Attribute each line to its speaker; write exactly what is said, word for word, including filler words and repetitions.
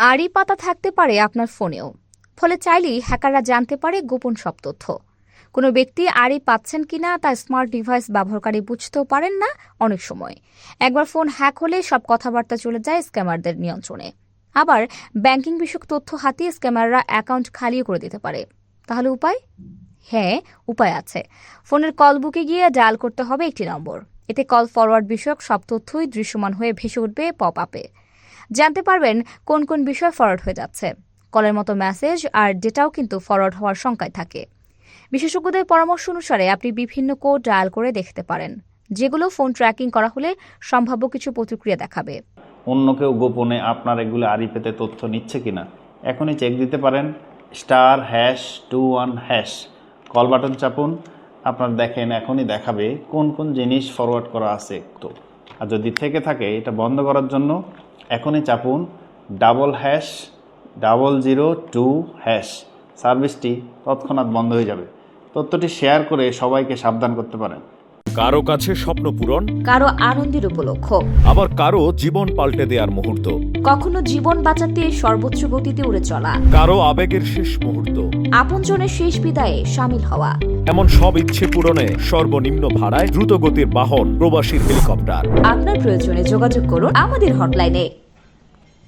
Speaker 1: আড়ি পাতা থাকতে পারে আপনার ফোনেও, ফলে চাইলেই হ্যাকাররা জানতে পারে গোপন সব তথ্য। কোনো ব্যক্তি আড়ি পাচ্ছেন কিনা তা স্মার্ট ডিভাইস ব্যবহারকারী বুঝতেও পারেন না অনেক সময়। একবার ফোন হ্যাক হলে সব কথাবার্তা চলে যায় স্ক্যামারদের নিয়ন্ত্রণে। আবার ব্যাংকিং বিষয়ক তথ্য হাতিয়ে স্ক্যামাররা অ্যাকাউন্ট খালিও করে দিতে পারে। তাহলে উপায়? হ্যাঁ, উপায় আছে। ফোনের কল বুকে গিয়ে ডায়াল করতে হবে একটি নম্বর। এতে কল ফরওয়ার্ড বিষয়ক সব তথ্যই দৃশ্যমান হয়ে ভেসে উঠবে পপ আপে। জানতে পারবেন কোন কোন বিষয় ফরওয়ার্ড হয়ে যাচ্ছে। কলের মতো মেসেজ আর ডেটাও কিন্তু ফরওয়ার্ড হওয়ার শঙ্কায় থাকে। বিশেষজ্ঞদের পরামর্শ অনুসারে আপনি বিভিন্ন কোড ডায়াল করে দেখতে পারেন, যেগুলো ফোন ট্র্যাকিং করা হলে সম্ভাব্য কিছু প্রতিক্রিয়া দেখাবে।
Speaker 2: অন্য কেউ গোপনে আপনার এগুলো আড়ি পেতে তথ্য নিচ্ছে কিনা এখনই চেক দিতে পারেন। Star hash two one hash call button চাপুন। আপনার দেখেন এখনই দেখাবে কোন কোন জিনিস ফরওয়ার্ড করা আছে। তো আর যদি থেকে থাকে এটা বন্ধ করার জন্য এখনই চাপুন double hash double zero two hash. সার্ভিসটি তৎক্ষণাৎ বন্ধ হয়ে যাবে। তথ্যটি শেয়ার করে সবাইকে সাবধান করতে পারেন।
Speaker 3: কারো কাছে স্বপ্ন পূরণ,
Speaker 1: কারো আনন্দের উপলক্ষ,
Speaker 3: আবার কারো জীবন পাল্টে দেওয়ার মুহূর্ত,
Speaker 1: কখনো জীবন বাঁচাতে সর্বোচ্চ গতিতে উড়ে চলা,
Speaker 3: কারো আবেগের শেষ মুহূর্ত,
Speaker 1: আপনজনের শেষ বিদায়ে শামিল হওয়া।
Speaker 3: এমন সব ইচ্ছে পূরণে সর্বনিম্ন ভাড়ায় দ্রুতগতির বাহন প্রবাসীর হেলিকপ্টার।
Speaker 1: আপনার প্রয়োজনে যোগাযোগ করুন আমাদের হটলাইনে।